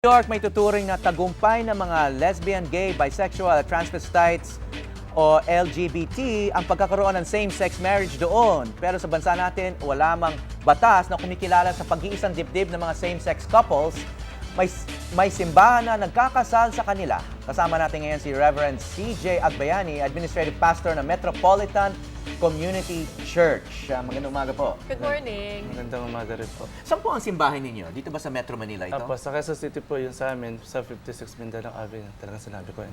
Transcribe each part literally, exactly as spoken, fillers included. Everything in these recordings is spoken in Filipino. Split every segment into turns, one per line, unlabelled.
New York may tuturing na tagumpay ng mga lesbian, gay, bisexual, transvestites o L G B T ang pagkakaroon ng same-sex marriage doon. Pero sa bansa natin, wala mang batas na kumikilala sa pag-iisang dibdib ng mga same-sex couples. May, may simbahan na nagkakasal sa kanila. Kasama natin ngayon si Reverend C J Agbayani, Administrative Pastor ng Metropolitan Community Church. Uh, magandang umaga po.
Good morning.
Magandang umaga rin po.
Saan po ang simbahan ninyo? Dito ba sa Metro Manila ito?
Apo, sa Quezon City po yung sa amin, sa fifty-six Mindanao Avenue. Talagang sinabi ko yun.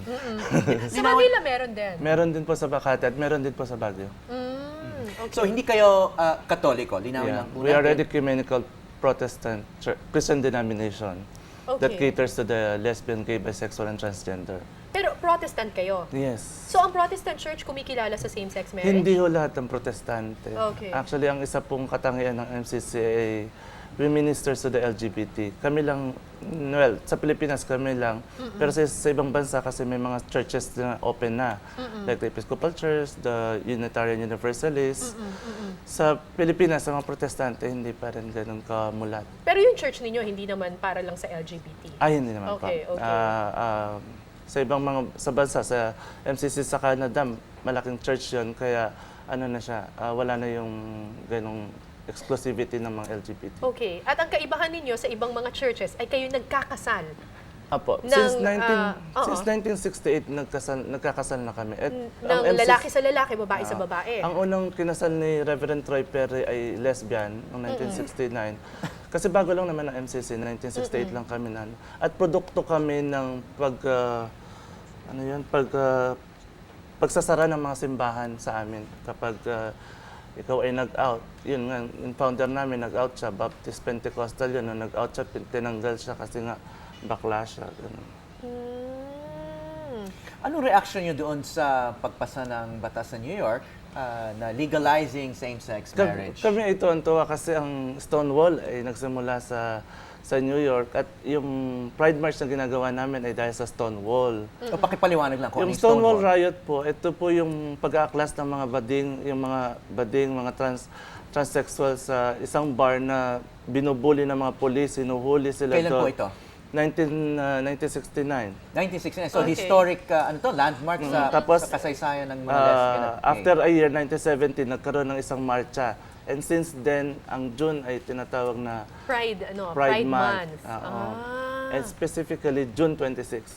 Sa Manila meron din.
Meron din po sa Makati at meron din po sa Baguio.
Mm, okay.
So hindi kayo uh, Katoliko? Linawin
Yeah.
lang po
We are
natin.
Ecumenical Protestant Church, Christian denomination that
Okay.
caters to the lesbian, gay, bisexual, and transgender.
Pero Protestant kayo.
Yes.
So ang Protestant Church kumikilala sa same-sex marriage?
Hindi ho lahat ng protestante.
Okay.
Actually, ang isa pong katangian ng M C C ay we ministers to the L G B T. Kami lang, well, sa Pilipinas kami lang. Pero sa, sa ibang bansa kasi may mga churches na open na. Like the Episcopal Church, the Unitarian Universalist. Sa Pilipinas, sa mga protestante, hindi pa rin ganun kamulat.
Pero yung church ninyo hindi naman para lang sa L G B T.
Ay, hindi naman
Okay,
pa.
okay.
Ah, ah, sa ibang mga sa bansa, sa M C C sa Canada, malaking church yun. Kaya ano na siya, ah, wala na yung ganong exclusivity ng mga L G B T.
Okay. At ang kaibahan ninyo sa ibang mga churches ay kayo nagkakasal.
Apo,
Ng,
since, nineteen,
ah, oo.
since nineteen sixty-eight, nagkasal, nagkakasal na kami. At
Ng
ang M C C
lalaki sa lalaki, babae sa
Ah,
babae.
Ang unang kinasal ni Reverend Troy Perry ay lesbian noong nineteen sixty-nine. Kasi bago lang naman ang M C C, nineteen sixty-eight lang kami na. At produkto kami ng pag ah, ano 'yun, pag ah, pagsasara ng mga simbahan sa amin kapag ah, ikaw ay nag-out. Yun nga, yung founder namin nag-out siya, Baptist Pentecostal yun. Nung nag-out siya, pin- tinanggal siya kasi nga bakla siya. Ganun.
Hmm.
Anong reaction nyo doon sa pagpasa ng batas sa New York uh, na legalizing same-sex
Kami,
marriage?
kami ay tuwan-tuwa kasi ang Stonewall ay nagsimula sa sa New York at yung Pride March na ginagawa namin ay dahil sa Stonewall.
O pakipaliwanag lang kung
Yung
ano
Stonewall Riot po, ito po yung pag-aaklas ng mga bading, yung mga bading, mga trans transsexual sa isang bar na binubuli ng mga polis, sinuhuli sila
Kailan po
doon.
ito?
nineteen, uh, nineteen sixty-nine.
nineteen sixty-nine. So
Okay.
historic, uh, ano to, landmark sa,
Tapos,
sa kasaysayan ng mga
Uh,
lesbian at gay.
after a year, nineteen seventy, nagkaroon ng isang marcha. And since then, ang June ay tinatawag na
Pride, ano,
Pride,
Pride,
Month.
Month.
Oo.
Ah.
And specifically, June twenty-sixth.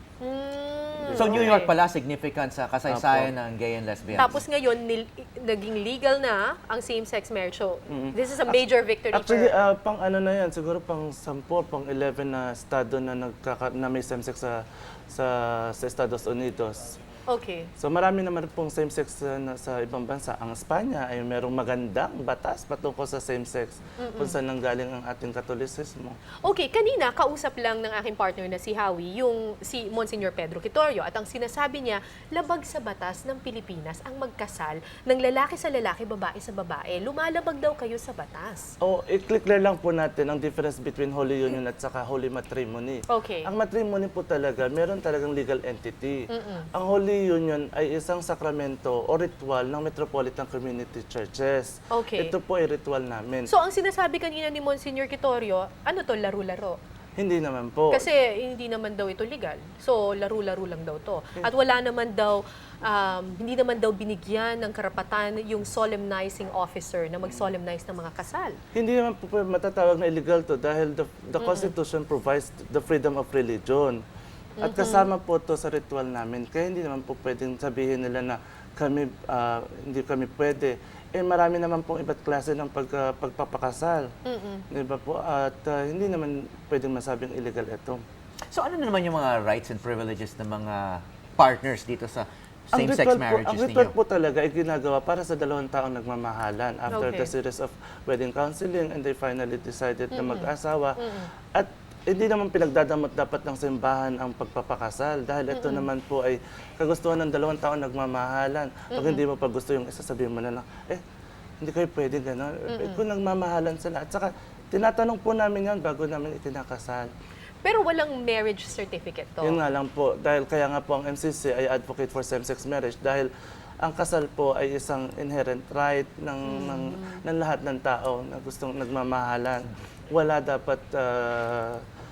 Hmm,
So New
okay.
York pala significant sa kasaysayan ng gay and lesbian.
Tapos ngayon, nil- naging legal na ang same-sex marriage. So, this is a major victory
Actually,
for...
uh, pang ano na yan, siguro pang sampo, pang eleven na estado na, nagkaka, na may same-sex sa, sa, sa Estados Unidos.
Okay.
So marami naman pong same-sex uh, na sa ibang bansa. Ang Espanya ay merong magandang batas patungkol sa same-sex kung saan nanggaling ang ating Katolisismo.
Okay, kanina kausap lang ng aking partner na si Howie, yung si Monsignor Pedro Quitorio, at ang sinasabi niya, labag sa batas ng Pilipinas ang magkasal ng lalaki sa lalaki, babae sa babae. Lumalabag daw kayo sa batas.
O, i-clear lang po natin ang difference between Holy Union at saka Holy Matrimony.
Okay.
Ang matrimony po talaga, meron talagang legal entity. Ang Holy Union ay isang sakramento o ritual ng Metropolitan Community Churches.
Okay.
Ito po ay ritual namin.
So, ang sinasabi kanina ni Monsignor Quitorio, ano to, laro-laro?
Hindi naman po.
Kasi hindi naman daw ito legal. So, laro-laro lang daw to. At wala naman daw, um, hindi naman daw binigyan ng karapatan yung solemnizing officer na mag-solemnize ng mga kasal.
Hindi naman po pwede matatawag na illegal to dahil the, the Constitution provides the freedom of religion. At kasama po to sa ritual namin. Kaya hindi naman po pwedeng sabihin nila na kami, ah, hindi kami pwede. Eh marami naman pong iba't klase ng pag, ah, pagpapakasal. Di ba po? At ah, hindi naman pwedeng masabing illegal ito.
So ano na naman yung mga rights and privileges ng mga partners dito sa
Ang
same-sex
ritual po,
marriages
ang ritual
ninyo?
po talaga ay ginagawa para sa dalawang taong nagmamahalan after
Okay.
the series of wedding counseling and they finally decided na mag-asawa. At hindi naman pinagdadamot dapat ng simbahan ang pagpapakasal dahil ito naman po ay kagustuhan ng dalawang taong nagmamahalan. Pag hindi mo pa gusto yung isa, sabihin mo na lang, eh, hindi kayo pwede gano'n. Eh, kung nagmamahalan sila. At saka, tinatanong po namin yan bago namin itinakasal.
Pero walang marriage certificate to.
Yun nga lang po, dahil kaya nga po ang M C C ay advocate for same-sex marriage dahil ang kasal po ay isang inherent right ng, ng, ng lahat ng tao na gustong nagmamahalan. Wala dapat, uh,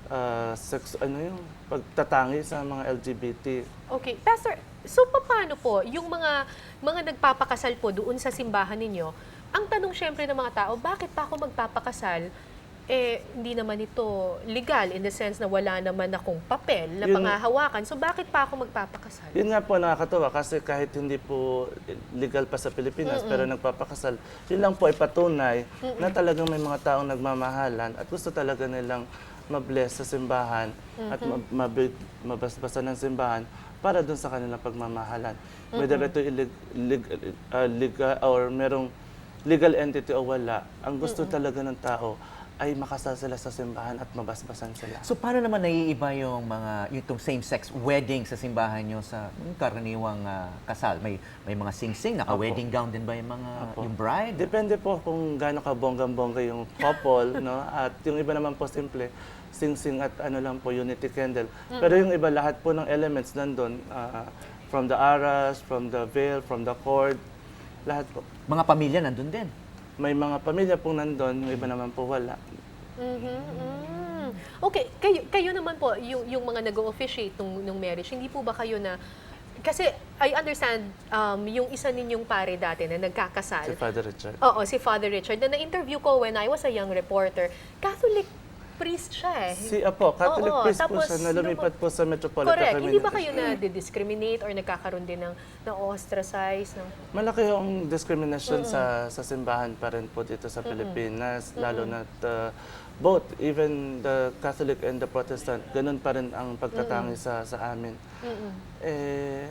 ah, sex, ano yung pagtatangi sa mga L G B T.
Okay. Pastor, so paano po yung mga mga nagpapakasal po doon sa simbahan ninyo? Ang tanong syempre ng mga tao, bakit pa ako magpapakasal? Eh, hindi naman ito legal in the sense na wala naman akong papel na
Yun-
pangahawakan. So bakit pa ako magpapakasal?
Yun nga po nakakatuwa kasi kahit hindi po legal pa sa Pilipinas pero nagpapakasal, yun lang po ay patunay na talagang may mga taong nagmamahalan at gusto talaga nilang mabless sa simbahan at mab- mabig- mabasbasan ng simbahan para dun sa kanilang pagmamahalan. Whether ito ilig, lig, ah, legal or merong legal entity o wala, ang gusto talaga ng tao ay makasal sila sa simbahan at mabasbasan sila.
So paano naman naiiba yung mga yung same-sex wedding sa simbahan nyo sa yung karaniwang ah, kasal? May may mga sing-sing, naka-wedding gown din ba yung mga
Opo.
yung bride?
Depende po kung gaano ka bonggang-bongga yung couple, no? At yung iba naman po simple, sing-sing at ano lang po, unity candle. Pero yung iba, lahat po ng elements nandun, ah, from the aras, from the veil, from the cord, lahat po.
Mga pamilya nandun din.
May mga pamilya po nandun, yung iba naman po wala.
Mhm, mm. Okay, kayo, kayo naman po, yung, yung mga nag-officiate nung, nung marriage, hindi po ba kayo na, kasi I understand, um, yung isa ninyong pare dati na nagkakasal,
Si Father Richard.
oo, si Father Richard, na na-interview ko when I was a young reporter, Catholic priest siya eh.
Si Apo, Catholic
Oo,
priest po
tapos
siya na lumipat po sa Metropolitan
Correct. Hindi ba
Community.
kayo na-discriminate or nagkakaroon din ng, ng ostracize? Ng,
Malaki yung discrimination sa sa simbahan pa rin po dito sa Pilipinas, lalo na uh, both, even the Catholic and the Protestant, ganun pa rin ang pagtatangi sa sa amin. Eh,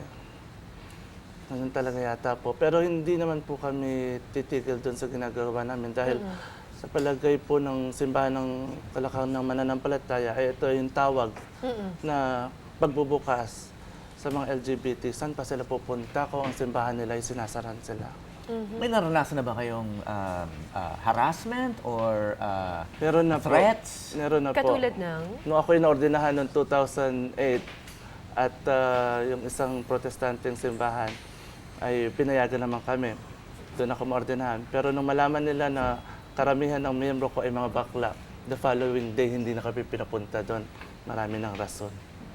ganun talaga yata po. Pero hindi naman po kami titigil doon sa ginagawa namin dahil sa palagay po ng simbahan ng Kalakang ng Mananampalataya, ay ito yung tawag na pagbubukas sa mga L G B T. Saan pa sila pupunta kung ang simbahan nila ay sinasaran sila?
May naranasan na ba kayong um, ah, harassment or ah,
Meron na
threats?
po. Meron na po.
katulad ng?
Nung ako inaordinahan noong two thousand eight at ah, yung isang protestanteng simbahan ay pinayagan naman kami. Doon ako maordinahan. Pero nung malaman nila na karamihan ng miyembro ko ay mga bakla, the following day hindi na kami pinapunta doon. Marami ng rason.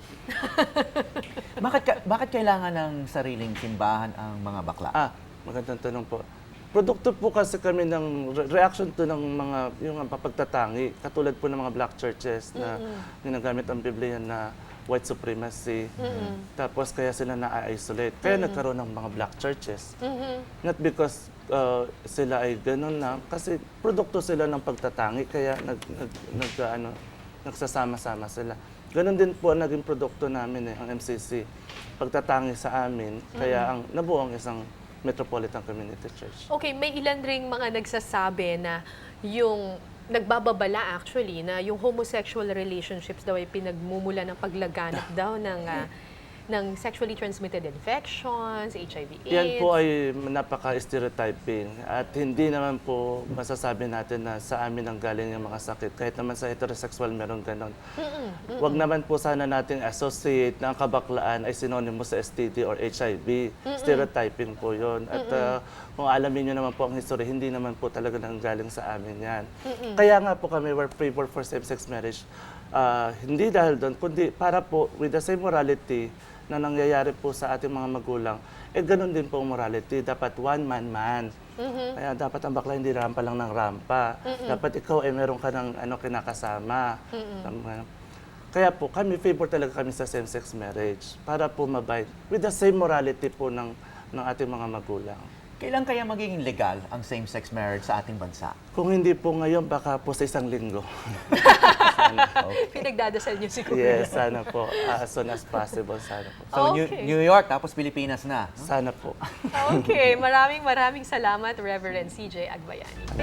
bakit ka- bakit kailangan ng sariling simbahan ang mga bakla?
Ah, magandang tanong po. Produkto po kasi kami ng re- reaction to ng mga yung mga pagtatangi, katulad po ng mga black churches na ginagamit ang Biblia na white supremacy. Tapos kaya sila na-isolate. Kaya nagkaroon ng mga black churches. Not because uh, sila ay ganun na, kasi produkto sila ng pagtatangi, kaya nag, nag, nag, ano, nagsasama-sama sila. Ganon din po ang naging produkto namin eh, ang M C C. Pagtatangi sa amin, kaya ang nabuo ang isang Metropolitan Community Church.
Okay, may ilan ring mga nagsasabi na yung nagbababala actually na yung homosexual relationships daw ay pinagmumula ng paglaganap daw ng ah, ng sexually transmitted infections, H I V AIDS.
Yan po ay napaka-stereotyping at hindi naman po masasabi natin na sa amin ang galing yung mga sakit. Kahit naman sa heterosexual meron ganon. Huwag naman po sana natin associate na ang kabaklaan ay synonymous sa S T D or H I V. Stereotyping po yun. At uh, kung alamin nyo naman po ang history, hindi naman po talaga nang galing sa amin yan. Kaya nga po kami were favor for same-sex marriage. Uh, hindi dahil doon, kundi para po with the same morality na nangyayari po sa ating mga magulang, eh ganun din po ang morality. Dapat one man man. Kaya dapat ang bakla hindi rampa lang ng rampa. Dapat ikaw ay eh, meron ka ng ano, kinakasama. Tama. Kaya po kami, favor talaga kami sa same-sex marriage para po mabay with the same morality po ng, ng ating mga magulang.
Kailan kaya magiging legal ang same-sex marriage sa ating bansa?
Kung hindi po ngayon, baka po sa isang linggo.
Pinagdadasal niyo siguro.
Yes, sana po. As soon as possible, sana po.
So, New,
Okay.
New York, tapos Pilipinas na.
Sana po.
Okay, maraming maraming salamat, Reverend C J Agbayani.